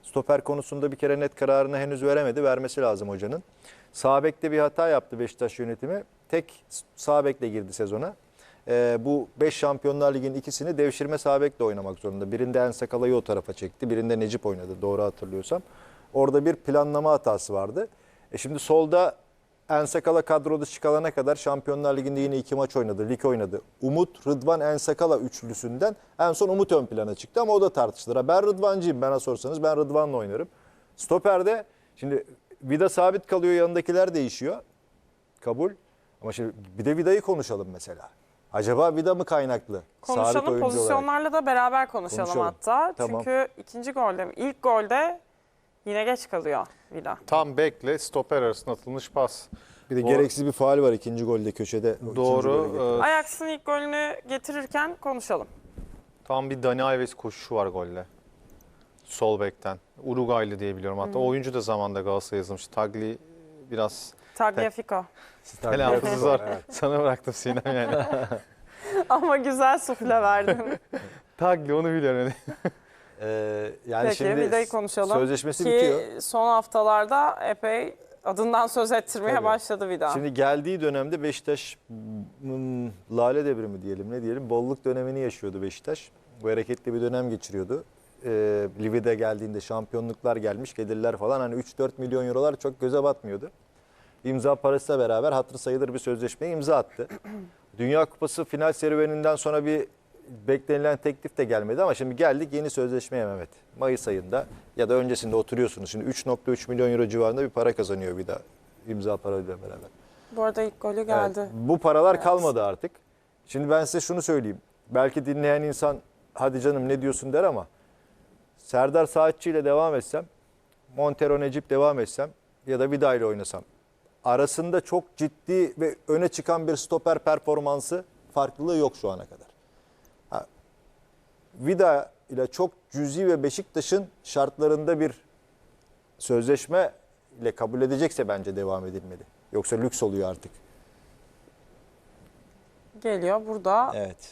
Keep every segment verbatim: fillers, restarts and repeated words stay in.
Stoper konusunda bir kere net kararını henüz veremedi. Vermesi lazım hocanın. Sağ bekte bir hata yaptı Beşiktaş yönetimi. Tek sağ bekle girdi sezona. Ee, bu beş Şampiyonlar Ligi'nin ikisini devşirme sağ bekle oynamak zorunda. Birinde Ensakala'yı o tarafa çekti. Birinde Necip oynadı doğru hatırlıyorsam. Orada bir planlama hatası vardı. E şimdi solda Ensakala kadroda çıkana kadar Şampiyonlar Ligi'nde yine iki maç oynadı. Lig oynadı. Umut, Rıdvan, Ensakala üçlüsünden en son Umut ön plana çıktı ama o da tartışılır. Ben Rıdvancıyım, bana sorsanız ben Rıdvan'la oynarım. Stoper'de şimdi Vida sabit kalıyor, yanındakiler değişiyor. Kabul. Ama şimdi bir de Vida'yı konuşalım mesela. Acaba Vida mı kaynaklı? Konuşalım, pozisyonlarla da beraber konuşalım, Konuşalım. hatta. Tamam. Çünkü ikinci golde, ilk golde yine geç kalıyor Vida. Tam bekle stoper arasında atılmış pas. Bir de O- gereksiz bir faul var ikinci golde köşede. O ikinci Doğru. golü getiren. e, Ajax'ın ilk golünü getirirken konuşalım. Tam bir Dani Alves koşuşu var golde. Sol bekten. Uruguaylı diye biliyorum. Hatta o oyuncu da zamanında Galatasaray'a yazılmış. Tagli biraz Tagliafico. telaffuzu zor. Evet. Sana bıraktım Sinem yani. Ama güzel sufle verdin. Tagli onu biliyorum. Ee, yani Peki, şimdi Vida'yı konuşalım. sözleşmesi Ki bitiyor. son haftalarda epey adından söz ettirmeye Tabii. başladı Vida. Şimdi geldiği dönemde Beşiktaş hmm, lale devrimi diyelim ne diyelim bolluk dönemini yaşıyordu Beşiktaş. Bu hareketli bir dönem geçiriyordu. Ee, Livide geldiğinde şampiyonluklar gelmiş, gelirler falan hani üç dört milyon eurolar çok göze batmıyordu. İmza parasıyla beraber hatırı sayılır bir sözleşmeye imza attı. Dünya Kupası final serüveninden sonra bir beklenilen teklif de gelmedi ama şimdi geldik yeni sözleşmeye Mehmet. Mayıs ayında ya da öncesinde oturuyorsunuz. Şimdi üç nokta üç milyon euro civarında bir para kazanıyor bir daha imza parayla beraber. Bu arada ilk golü geldi. Evet, bu paralar Evet. kalmadı artık. Şimdi ben size şunu söyleyeyim. Belki dinleyen insan hadi canım ne diyorsun der ama Serdar Saatçi ile devam etsem, Montero Necip devam etsem ya da Vida ile oynasam arasında çok ciddi ve öne çıkan bir stoper performansı farklılığı yok şu ana kadar. Ha, Vida ile çok cüzi ve Beşiktaş'ın şartlarında bir sözleşme ile kabul edecekse bence devam edilmeli. Yoksa lüks oluyor artık. Geliyor burada. Evet.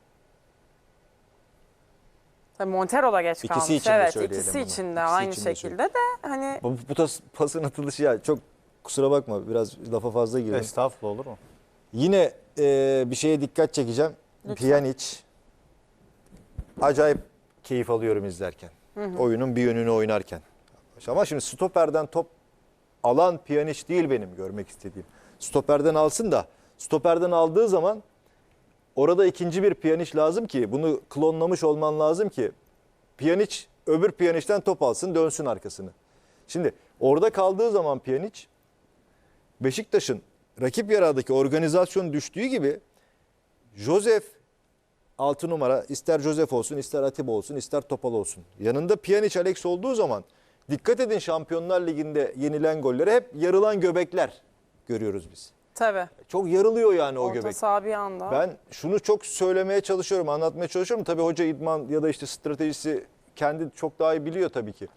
Tabii Montero da geç İkisi kalmış. için de evet, söyleyelim ikisi bunu. için de İkisi aynı için de şekilde de hani Bu, bu tas, pasın atılışı ya çok kusura bakma biraz lafa fazla girdim. Estağfurullah olur mu? Yine e, bir şeye dikkat çekeceğim. Lütfen. Pjanic. Acayip keyif alıyorum izlerken. Oyunun bir yönünü oynarken. Ama şimdi stoperden top alan Pjanic değil benim görmek istediğim. Stoperden alsın da stoperden aldığı zaman orada ikinci bir Pjanic lazım ki bunu klonlamış olman lazım ki Pjanic öbür Pjanic'ten top alsın dönsün arkasını. Şimdi orada kaldığı zaman Pjanic Beşiktaş'ın rakip yaradaki organizasyon düştüğü gibi Josef altı numara ister Josef olsun ister Atiba olsun ister Topal olsun. Yanında Pjanic Alex olduğu zaman dikkat edin Şampiyonlar Ligi'nde yenilen golleri hep yarılan göbekler görüyoruz biz. tabii. Çok yarılıyor yani o Orta göbek. saha bir anda. Ben şunu çok söylemeye çalışıyorum, anlatmaya çalışıyorum. Tabii hoca idman ya da işte stratejisi kendi çok daha iyi biliyor tabii ki.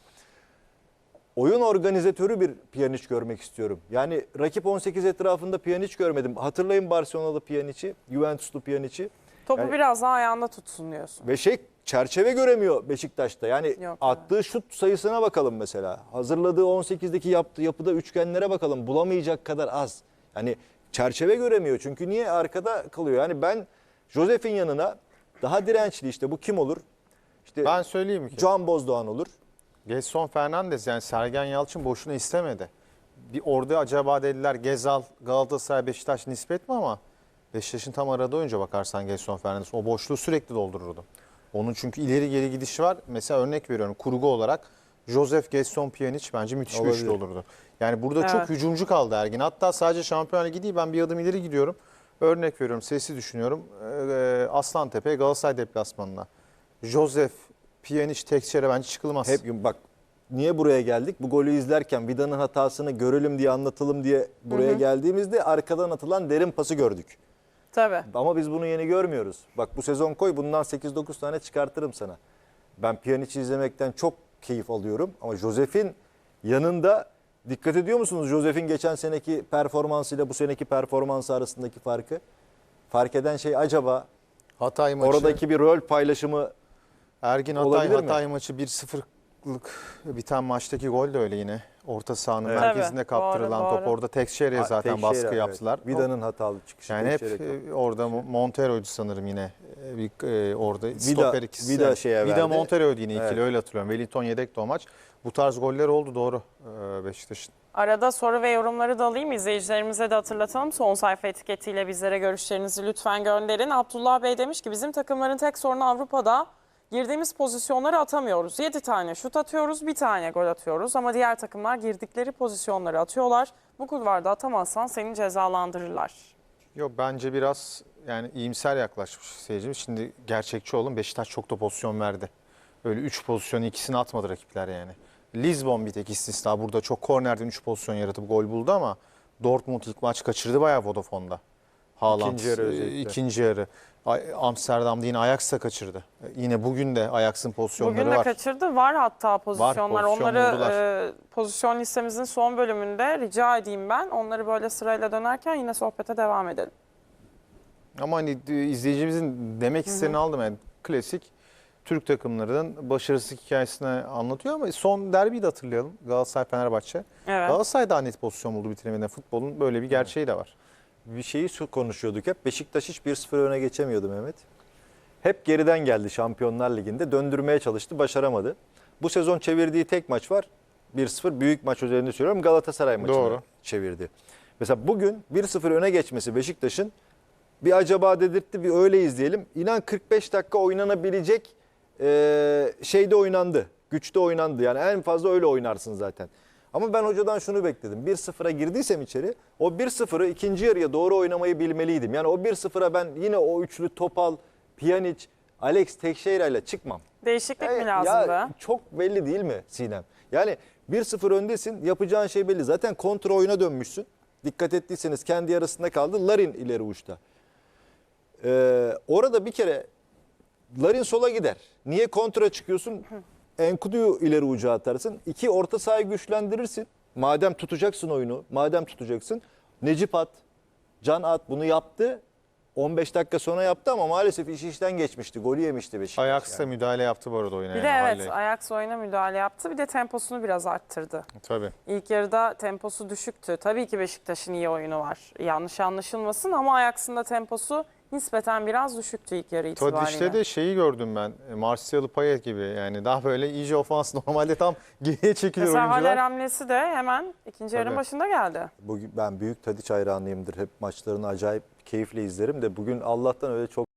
Oyun organizatörü bir Pjanic görmek istiyorum. Yani rakip on sekiz etrafında Pjanic görmedim. Hatırlayın Barcelona'lı Pjanic'i, Juventus'lu Pjanic'i. Topu yani- biraz daha ayağında tutsun diyorsun. Ve şey çerçeve göremiyor Beşiktaş'ta. Yani Yok, attığı şut sayısına bakalım mesela. Hazırladığı on sekizdeki yaptığı yapıda üçgenlere bakalım. Bulamayacak kadar az. Yani çerçeve göremiyor. Çünkü niye arkada kalıyor? Yani ben Josef'in yanına daha dirençli işte bu kim olur? İşte Ben söyleyeyim ki. Can Bozdoğan olur. Gelson Fernandes yani Sergen Yalçın boşuna istemedi. Bir orada acaba dediler Gezal, Galatasaray, Beşiktaş nispet mi ama Beşiktaş'ın tam aradığı oyuncu bakarsan Gelson Fernandes o boşluğu sürekli doldururdu. Onun çünkü ileri geri gidişi var. Mesela örnek veriyorum kurgu olarak Josef Gelson Pjanic bence müthiş bir Olabilir. üçlü olurdu. Yani burada Evet. çok hücumcu kaldı Ergin. Hatta sadece Şampiyonlar Ligi değil ben bir adım ileri gidiyorum. Örnek veriyorum sesi düşünüyorum. Ee, Aslantepe Galatasaray deplasmanına. Josef Pjanic tekçere bence çıkılmaz. Hep bak niye buraya geldik? Bu golü izlerken Vida'nın hatasını görelim diye anlatalım diye buraya geldiğimizde arkadan atılan derin pası gördük. Tabii. Ama biz bunu yeni görmüyoruz. Bak bu sezon koy bundan sekiz dokuz tane çıkartırım sana. Ben Pjanic'i izlemekten çok keyif alıyorum. Ama Josef'in yanında dikkat ediyor musunuz? Josef'in geçen seneki performansıyla bu seneki performansı arasındaki farkı. Fark eden şey acaba Hatay maçı, oradaki bir rol paylaşımı Ergin Hatay, olabilir mi? Hatay maçı bir sıfır biten maçtaki gol de öyle yine. Orta sahanın Evet. merkezinde Tabii, kaptırılan doğru, top. doğru. Orada Tekşehir'e zaten Teixeira, baskı evet. yaptılar. Vida'nın hatalı çıkışı. Yani hep Teixeira. e, orada Montero'ydu sanırım yine. E, Bir, e, orada Vida- stoper ikisi. Vida şeye Vida verdi. Montero'ydu yine ikili, Evet. öyle hatırlıyorum. Wellington yedekti o maç. Bu tarz goller oldu, doğru, e, Beşiktaş'ın. Arada soru ve yorumları da alayım. İzleyicilerimize de hatırlatalım. Son sayfa etiketiyle bizlere görüşlerinizi lütfen gönderin. Abdullah Bey demiş ki bizim takımların tek sorunu Avrupa'da girdiğimiz pozisyonları atamıyoruz. yedi tane şut atıyoruz, bir tane gol atıyoruz. Ama diğer takımlar girdikleri pozisyonları atıyorlar. Bu kulvarda atamazsan seni cezalandırırlar. Yok, bence biraz yani iyimser yaklaşmış seyircimiz. Şimdi gerçekçi olun, Beşiktaş çok da pozisyon verdi. Öyle üç pozisyonu ikisini atmadı rakipler yani. Lisbon bir tek istisna. Burada çok kornerden üç pozisyon yaratıp gol buldu ama Dortmund ilk maç kaçırdı bayağı Vodafone'da. Haaland İkinci yarı e, özellikle. ikinci yarı. Ay- Amsterdam'da yine Ajax da kaçırdı. E, Yine bugün de Ajax'ın pozisyonları Bugün de var. kaçırdı. Var hatta pozisyonlar. pozisyon Onları buldular. e, pozisyon listemizin son bölümünde rica edeyim ben. Onları böyle sırayla dönerken yine sohbete devam edelim. Ama hani e, izleyicimizin demek istediğini aldım yani. Klasik Türk takımlarının başarısızlık hikayesini anlatıyor ama son derbiyi de hatırlayalım. Galatasaray-Fenerbahçe. Evet. Galatasaray daha net pozisyon buldu bitiremeden. Futbolun böyle bir gerçeği de var. Bir şeyi su- konuşuyorduk hep. Beşiktaş hiç bir sıfır öne geçemiyordu Mehmet. Hep geriden geldi Şampiyonlar Ligi'nde. Döndürmeye çalıştı, başaramadı. Bu sezon çevirdiği tek maç var. bir sıfır, büyük maç üzerinde söylüyorum. Galatasaray maçını Doğru. çevirdi. Mesela bugün bir sıfır öne geçmesi Beşiktaş'ın bir acaba dedirtti, bir öyle izleyelim. İnan kırk beş dakika oynanabilecek e, şeyde oynandı. Güçte oynandı. Yani en fazla öyle oynarsın zaten. Ama ben hocadan şunu bekledim. bir sıfıra girdiysem içeri, o bir sıfırı ikinci yarıya doğru oynamayı bilmeliydim. Yani o bir sıfıra ben yine o üçlü Topal, Pjanic, Alex Teixeira ile çıkmam. Değişiklik mi Ya- lazımdı? Ya çok belli değil mi Sinem? Yani bir sıfır öndesin, yapacağın şey belli. Zaten kontra oyuna dönmüşsün. Dikkat ettiyseniz kendi yarısında kaldı. Larin ileri uçta. Ee, orada bir kere Larin sola gider. Niye kontra çıkıyorsun? Enkudu'yu ileri uca atarsın. İki, orta sahayı güçlendirirsin. Madem tutacaksın oyunu, madem tutacaksın. Necip at, Can at bunu yaptı. on beş dakika sonra yaptı ama maalesef iş işten geçmişti. Golü yemişti Beşiktaş. Ajax da yani. müdahale yaptı bu arada oyuna. Bir de yani, evet Halley. Ajax oyuna müdahale yaptı. Bir de temposunu biraz arttırdı. Tabii. İlk yarıda temposu düşüktü. Tabii ki Beşiktaş'ın iyi oyunu var. Yanlış anlaşılmasın ama Ajax'ın da temposu nispeten biraz düşüktü ilk yarı itibariyle. Tadic'te de şeyi gördüm ben. e, Martial'ı Payet gibi yani daha böyle iyice ofans, normalde tam geriye çekilir Mesela Haller oyuncular. hamlesi de hemen ikinci yarının Tabii. başında geldi. Bugün ben büyük Tadiç hayranıyımdır. Hep maçlarını acayip keyifle izlerim de bugün Allah'tan öyle çok